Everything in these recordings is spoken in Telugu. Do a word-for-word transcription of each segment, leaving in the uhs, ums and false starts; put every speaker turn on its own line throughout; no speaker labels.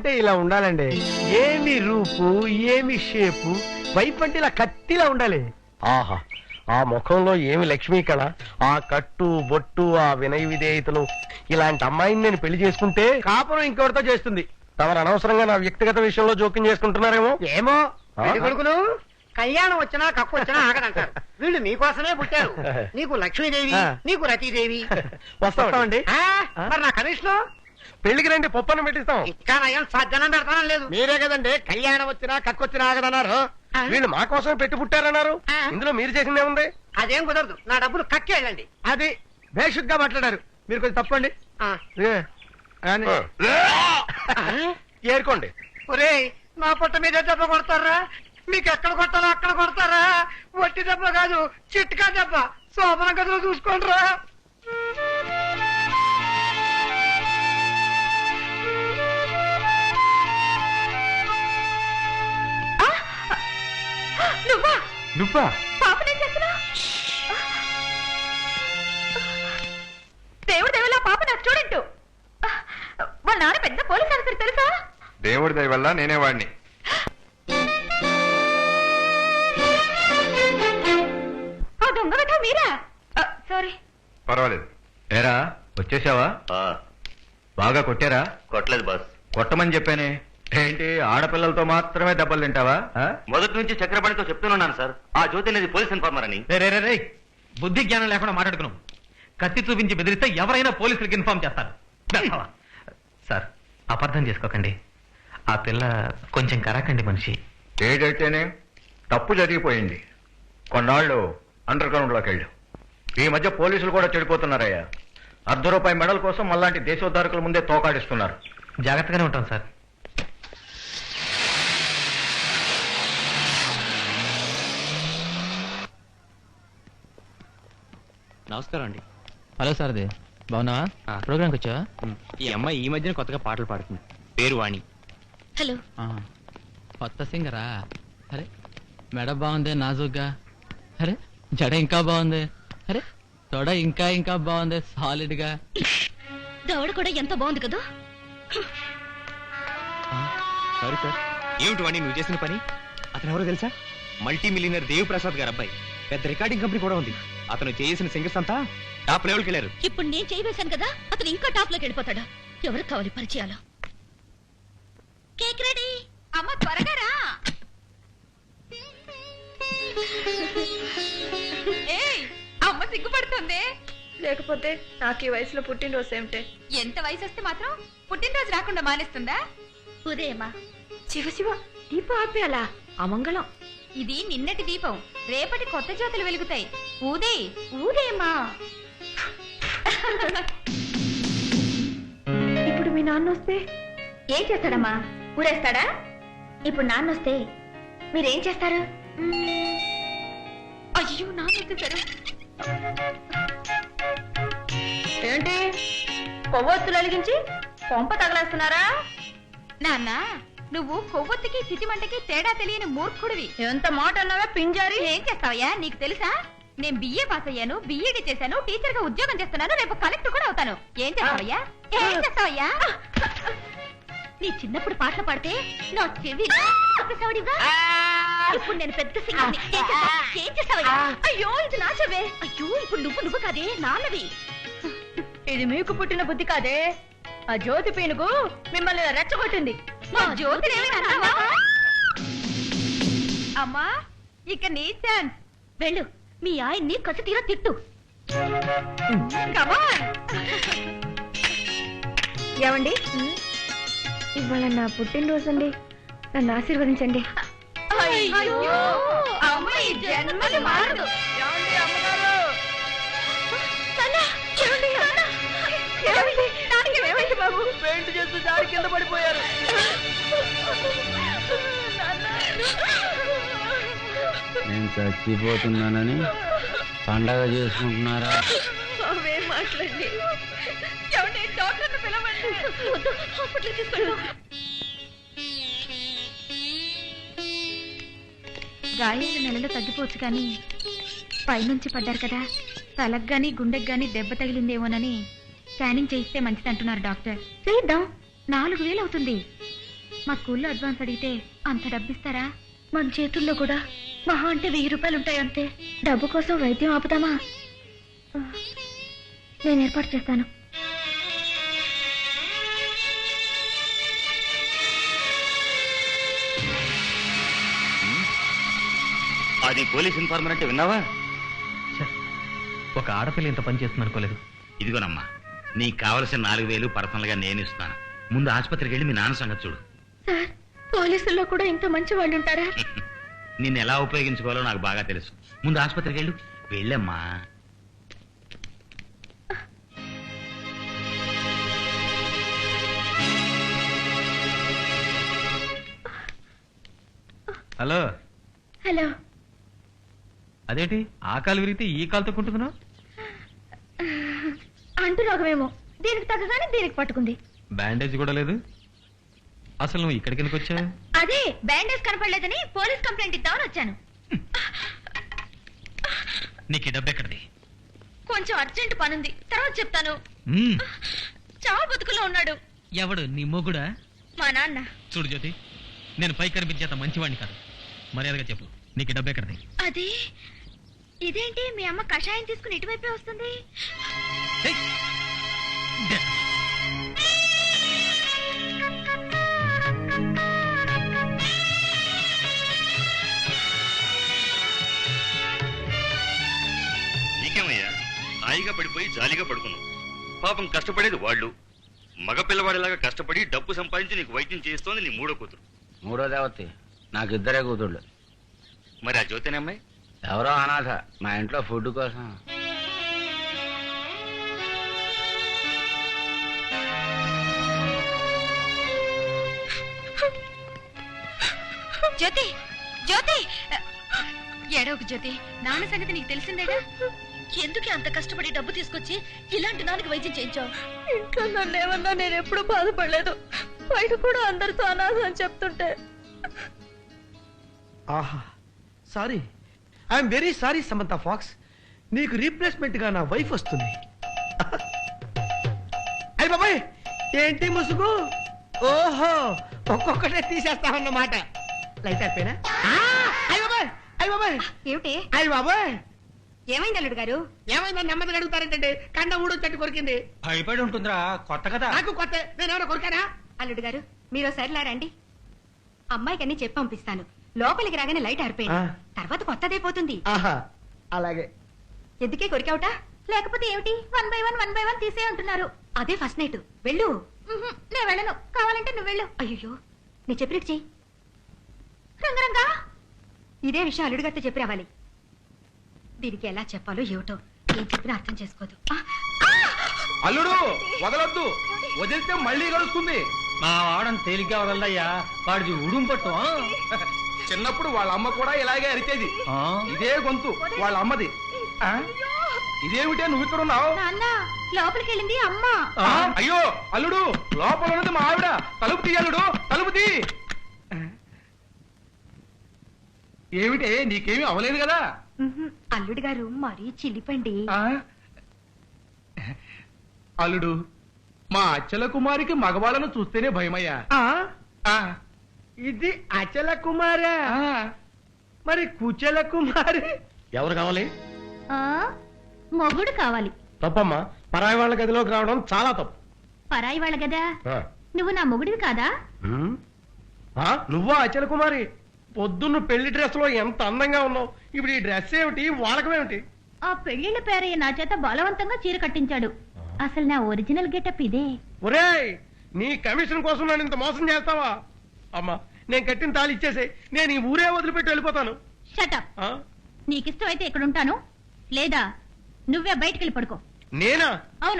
అంటే ఇలా ఉండాలండి. ఏమి రూపు, ఏమి షేపు, వైఫ్ అంటే ఇలా కత్తిలా ఉండాలి. ఆహా, ఆ ముఖంలో ఏమి లక్ష్మీ కళ, ఆ కట్టు బొట్టు, ఆ వినయ విధేయతలు. ఇలాంటి అమ్మాయిని నేను పెళ్లి చేసుకుంటే కాపురం ఇంకెవరితో చేస్తుంది. తమరు అనవసరంగా నా వ్యక్తిగత విషయంలో జోక్యం చేసుకుంటున్నారేమో. ఏమో కొడుకులు కళ్యాణం వచ్చినా కక్కు వచ్చినా ఆగదంటారు. వీళ్ళు మీకోసమే పుట్టారు. నీకు లక్ష్మీదేవి, నీకు రతీదేవి. వస్తామండి. మరి నా కమిషన్ పెళ్లికి రండి, పప్పని పెట్టిస్తాం. ఇంకా నయం సాధ్యనం పెడతానం లేదు. మీరే కదండి కళ్యాణం వచ్చినా కక్కు వచ్చినా ఆగదన్నారు. వీళ్ళు మా కోసమే పెట్టి పుట్టారన్నారు. ఇందులో మీరు చేసిందే ఉంది. అదేం కుదరదు, నా డబ్బులు కక్కేళ్ళండి. అది బేషుగ్గా మాట్లాడారు. మీరు కొంచెం తప్పండి. ఏరుకోండి. ఒరే, నా పొట్ట మీద దెబ్బ కొడతారా? మీకు ఎక్కడ కొట్టాలో అక్కడ కొడతారా? వట్టి దెబ్బ కాదు, చిట్కా దెబ్బ. శోభన గదిలో చూసుకోండిరా.
నువ్వా
నువ్వా
పాపనేం చేస్తున్నా? దేవుడు దేవుళ్ళ పాప నా స్టూడెంట్. వాళ్ళ నాన్న పెద్ద పోలీస్ ఆఫీసర్ తెలుసా?
దేవుడి దయ వల్ల నేనే వాడిని.
ఆ దొంగ వెధవ మీరా? సారీ.
పర్వాలేదు. ఏరా వచ్చేసావా? బాగా కొట్టారా?
కొట్టలేదు బాస్.
కొట్టమని చెప్పానే. ఏంటి ఆడపిల్లలతో మాత్రమే దెబ్బలు తింటావా?
మొదటి నుంచి చక్రపాణితో చెప్తున్నాను సార్, ఆ జ్యోతి అనేది పోలీస్ ఇన్ఫార్మర్ అని.
బుద్ధి జ్ఞానం లేకుండా మాట్లాడుకున్నాం. కత్తి చూపించి బెదిరిస్తే ఎవరైనా పోలీసులకు ఇన్ఫార్మ్ చేస్తారు. సార్, అపార్థం చేసుకోకండి. ఆ పిల్ల కొంచెం కరాకండి మనిషి.
ఏదైతేనే తప్పు జరిగిపోయింది. కొన్నాళ్ళు అండర్ గ్రౌండ్ లోకి వెళ్ళు. ఈ మధ్య పోలీసులు కూడా చెడిపోతున్నారయ్యా. అర్ధ రూపాయి మెడల్ కోసం మళ్ళాంటి దేశోద్ధారకుల ముందే తోకాడిస్తున్నారు.
జాగ్రత్తగానే ఉంటాం సార్.
నమస్కారం అండి.
హలో సార్ది, బాగున్నావా? ప్రోగ్రామ్కి వచ్చావా?
ఈ అమ్మాయి ఈ మధ్యన కొత్తగా పాటలు పాడుతుంది. పేరు వాణి.
హలో.
కొత్త సింగరా? అరే మెడ బాగుంది నాజుగ్గా. అరే జడ ఇంకా బాగుంది. అరే తొడ ఇంకా ఇంకా బాగుంది సాలిడ్ గా.
దవడ కూడా ఎంత బాగుంది కదా.
Sorry sir. ఏమిటి వాణి నువ్వు చేసిన పని? అతను ఎవరో తెలుసా? మల్టీ మిలియనర్ దేవ్ ప్రసాద్ గారు అబ్బాయి. పెద్ద రికార్డింగ్ కంపెనీ కూడా ఉంది. అతను చేసిన సింగర్స్ అంతా టాప్ లెవెల్కి వెళ్ళారు.
ఇప్పుడు నేను చేయవేశాను కదా, అతను ఇంకా టాప్ లోకి వెళ్ళిపోతాడా? ఎవరు కావాలి పరిచయాలు? Cake ready. అమ్మ త్వరగా రా. ఏయ్, అమ్మ సిగ్గుపడుతుంది.
లేకపోతే నాకు ఈ వయసులో పుట్టినరోజు ఏమిటే?
ఎంత వయసు వస్తే మాత్రం పుట్టినరోజు రాకుండా మానేస్తుందా? ఉదయమా.
శివ శివ, దీపం ఆపేయాలా? అమంగళం.
ఇది నిన్నటి దీపం, రేపటి కొత్త జ్యోతులు వెలుగుతాయి. ఊదే ఊదేమా.
ఇప్పుడు మీ నాన్న వస్తే
ఏం చేస్తాడమ్మా? ఊరేస్తాడా? ఇప్పుడు నాన్న వస్తే మీరేం చేస్తారు? అయ్యో నాన్న వచ్చేసారు.
ఏంటి కొవ్వొత్తులు వెలిగించి కొంప తగలేస్తున్నారా?
నాన్న, నువ్వు కొవ్వొత్తికి చితిమంటకి తేడా తెలియని మూర్ఖుడివి.
ఎంత మాట అన్నావా పింజారి?
ఏం చేస్తావయ్యా? నీకు తెలుసా, నేను బిఏ పాస్ అయ్యాను, బిఈడి చేశాను, టీచర్ గా ఉద్యోగం చేస్తున్నాను, రేపు కలెక్టర్ కూడా అవుతాను. ఏం చేస్తావయ్యా? ఏం చేస్తావయ్యా? నీ చిన్నప్పుడు పాటలు పాడితే నా చెవి ఇప్పుడు నేను పెద్ద సింగర్ని. ఏం చేస్తావయ్యా? అయ్యో ఇది నా చెవే. అయ్యో ఇప్పుడు నువ్వు నువ్వు కాదే, నాన్నవి.
ఇది మీకు పుట్టిన బుద్ధి కాదే, ఆ జ్యోతి పీనుగు మిమ్మల్ని రెచ్చగొట్టింది.
మా జ్యోతి అమ్మా, ఇక నీ ఛాన్స్. వెళ్ళు, మీ ఆయన్ని కసి తీరా తిట్టు.
ఏమండి, ఇవాళ నా పుట్టినరోజు అండి, నన్ను ఆశీర్వదించండి.
అయ్యో అమ్మ ఈ జన్మది మారదు.
బాబు
పెయింట్ చేస్తూ జారి కింద పడిపోయారు.
నేను చచ్చిపోతున్నానని పండగ చేసుకుంటున్నారా?
అవేం మాట్లాడి
డాక్టర్ని పిలవండి. హాస్పిటల్ తీసుకెళ్ళు. గాయాలు నెలలో తగ్గిపోవచ్చు కానీ పైనుంచి పడ్డారు కదా, తలకు గాని గుండెకి గాని దెబ్బ తగిలిందేమోనని స్కానింగ్ చేయిస్తే మంచిది అంటున్నారు డాక్టర్. చేద్దాం. నాలుగు వేలు అవుతుంది. మా స్కూల్లో అడ్వాన్స్ అడిగితే అంత డబ్బిస్తారా? మన చేతుల్లో కూడా మహా అంటే వెయ్యి రూపాయలు ఉంటాయి అంతే. డబ్బు కోసం వైద్యం ఆపుతామా? నేను ఏర్పాటు చేస్తాను.
అది పోలీస్ ఇన్ఫార్మర్ అంటే విన్నావా?
ఒక ఆడపిల్ల ఇంత పని చేస్తుంది అనుకోలేదు.
ఇదిగోనమ్మా, నీకు కావలసిన నాలుగు వేలు పర్సనల్ గా నేను ఇస్తాను. ముందు ఆసుపత్రికి వెళ్ళి మీ నాన్న సంగతి చూడు.
సార్, పోలీసుల్లో కూడా ఇంత మంచి వాళ్ళు ఉంటారా?
నిన్ను ఎలా ఉపయోగించుకోవాలో నాకు బాగా తెలుసు. ముందు ఆసుపత్రికి వెళ్ళు. వెళ్ళమ్మా.
హలో.
హలో.
అదేంటి ఆ కాలు విరిగితే ఈ కాలుతో కుంటున్నావు?
అంటు రోగమేమో, దీనికి తగ్గగానే దీనికి పట్టుకుంది.
బ్యాండేజ్ కూడా లేదు. అసలు నువ్వు ఇక్కడికి ఎందుకు వచ్చావు?
అదే బ్యాండేజ్ కనపడలేదని పోలీస్ కంప్లైంట్ ఇద్దామని వచ్చాను.
నీకు డబ్బు ఎక్కడిది?
కొంచెం అర్జెంట్ పనుంది, తర్వాత చెప్తాను.
మ్మ్.
చావు బతుకులో ఉన్నాడు.
ఎవడు? నీ మొగుడా?
మా నాన్న.
చూడు జ్యోతి, నేను పై కనిపించేంత మంచివాడిని కాదు. మర్యాదగా చెప్పు, నీకు డబ్బు ఎక్కడిది?
అది ఇదేంటి మీ అమ్మ కషాయం తీసుకుని ఇటువైపే వస్తుంది?
ఏయ్! దే-
నీకేమయ్యా, హాయిగా పడిపోయి జాలీగా పడుకున్నావు. పాపం కష్టపడేది వాళ్ళు. మగ పిల్లవాడిలాగా కష్టపడి డబ్బు సంపాదించి నీకు వైద్యం చేస్తోంది నీ మూడో కూతురు.
మూడో దేవతి. నాకు ఇద్దరే కూతుళ్ళు.
మరి ఆ జ్యోతిని అమ్మాయి?
ఎవరో అనాథ, మా ఇంట్లో ఫుడ్ కోసం.
జ్యోతి, జ్యోతి, ఏడవకు జ్యోతి. నాన్న సంగతి నీకు తెలిసిందేగా. ఎందుకు అంత కష్టపడి డబ్బు తీసుకొచ్చి ఇలాంటి నాన్నకి వైద్యం చేయించావు?
ఇంట్లో నన్ను ఏమన్నా నేను ఎప్పుడు బాధపడలేదు. బయట కూడా అందరితో అనాథ అని చెప్తుంటే.
ఆహా, sorry, I'm very sorry Samantha Fox. నీకు రీప్లేస్మెంట్ గా నా వైఫ్ వస్తుంది. అయ్య బాబాయ్, ఏంటి ముసుగు? ఓహో, ఒక్కొక్కటే తీసేస్తామన్నమాట. లైట్ అయిపోయినా? అయ్య బాబాయ్, అయ్య బాబాయ్,
ఏమిటి?
అయ్య బాబాయ్,
ఏమైంది అల్లుడు గారు?
ఏమైందా? నెమ్మదిగా అడుగుతారేంటండి? కండ ఊడు చెట్టు కొరికింది.
భయపడి ఉంటుందిరా, కొత్త కదా.
నాకు కొత్త, నేను ఎవరైనా కొరికానా?
అల్లుడు గారు, మీరు ఒకసారి రండి. అమ్మాయికి అన్ని చెప్పి పంపిస్తాను. లోపలికి రాగానే లైట్ ఆరిపోయింది.
ఆ.
తర్వాత కొత్తదైపోతుంది.
ఆహా, అలాగే.
ఎందుకే కొరికావుట? లేకపోతే ఏమిటి? One by one one by one తీసే అంటున్నారు. అదే ఫస్ట్ నైట్. వెళ్ళు. ఉహుం, నేను వెళ్ళను. కావాలంటే నువ్వు వెళ్ళు. అయ్యో, నీ చెప్పినట్టు చెయ్యి. రంగరంగా ఇదే విషయం అల్లుడు గారితో చెప్పి రావాలి. దీనికి ఎలా చెప్పాలో ఏమిటో, ఏం చెప్పినా అర్థం చేసుకోదు. ఆ,
అల్లుడు వదలొద్దు, వదిలితే మళ్ళీ కలుస్తుంది. మా వాడని తేలిగ్గా వదలయ్యా, వాడిది ఉడుం పట్టు. చిన్నప్పుడు వాళ్ళ అమ్మ కూడా ఇలాగే అరిచేది. ఇదే గొంతు వాళ్ళ అమ్మది. ఆ? ఇదేమిటే నువ్వు ఇక్కడ ఉన్నావు?
నాన్న, లోపలికి వెళ్ళింది అమ్మ.
ఆ, అయ్యో అల్లుడు, లోపల ఉన్నది మా ఆవిడ. తలుపు తీ అల్లుడు, తలుపు తీ. ఏమిటే, నీకేమీ అవలేదు కదా?
ఉహుం, అల్లుడు గారు మరీ చిలిపండి.
ఆ? అల్లుడు, మా అచ్చల కుమారికి మగవాళ్ళను చూస్తేనే భయమయ్యా.
ఆ,
ఆ,
ఇది అచల కుమారా?
ఆ.
మరి కుచల కుమారి ఎవరు కావాలి?
ఆ, మొగుడు కావాలి.
తప్పమ్మా, పరాయి వాళ్ళ గదిలోకి రావడం చాలా తప్పు.
పరాయి వాళ్ళ గదా?
ఆ.
నువ్వు నా మొగుడివి కాదా?
ఉమ్. ఆ, నువ్వా అచల కుమారి? పొద్దున్న పెళ్లి డ్రెస్ లో ఎంత అందంగా ఉన్నావు. ఇప్పుడు ఈ డ్రెస్ ఏమిటి, వాడకమేమిటి?
ఆ పెళ్లిళ్ళ పేరయ్య నా చేత బలవంతంగా చీర కట్టించాడు. అసలు నా ఒరిజినల్ గెటప్ ఇదే.
ఒరేయ్, నీ కమిషన్ కోసం నన్ను ఇంత మోసం చేస్తావా? అమ్మా, నేను కట్టిన తాళి ఇచ్చేసే, నేను ఈ ఊరే వదిలిపెట్టి వెళ్ళిపోతాను.
షటప్.
ఆ?
నీకిష్టం అయితే ఇక్కడ ఉంటాను, లేదా నువ్వే బయటికి వెళ్ళి పడుకో.
నేనా?
అవును.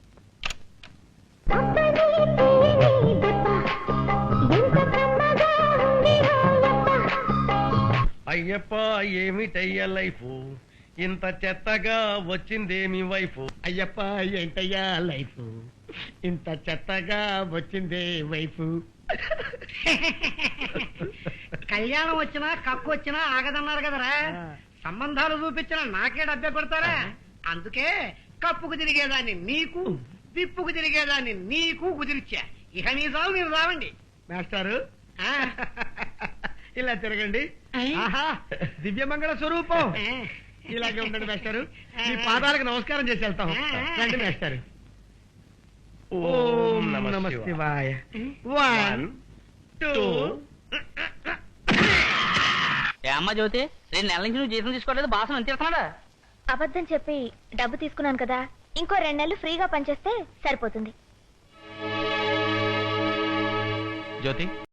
అయ్యప్ప, ఏమిటయ్యా లైఫ్, ఇంత చెత్తగా వచ్చిందేమి వైఫ్. అయ్యప్ప, ఏంటయ్యా లైఫ్, ఇంత చెత్తగా వచ్చిందే వైఫ్.
కళ్యాణం వచ్చినా కక్కు వచ్చినా ఆగదన్నారు కదరా. సంబంధాలు చూపించిన నాకే డబ్బే కొడతారా? అందుకే కప్పుకు తిరిగేదాన్ని నీకు, విప్పుకు తిరిగేదాన్ని నీకు కుదిరిచ్చా. ఇక నీ సాగు మీరు రావండి. మాస్టారు ఆ, ఇలా తిరగండి. ఆహా దివ్యమంగళ స్వరూపం. ఇలాగే ఉండండి మాస్టారు. మీ పాదాలకు నమస్కారం చేసి వెళ్తాం. రండి మాస్టారు. ఓం నమ శివాయ. One two.
ఏ అమ్మ జ్యోతి, రెండు నెలల నుంచి నువ్వు జీతం తీసుకోవట్లేదు, బాసం ఎంత ఇస్తున్నాడా?
అబద్ధం చెప్పి డబ్బు తీసుకున్నాను కదా, ఇంకో రెండు నెలలు ఫ్రీగా పనిచేస్తే సరిపోతుంది.
జ్యోతి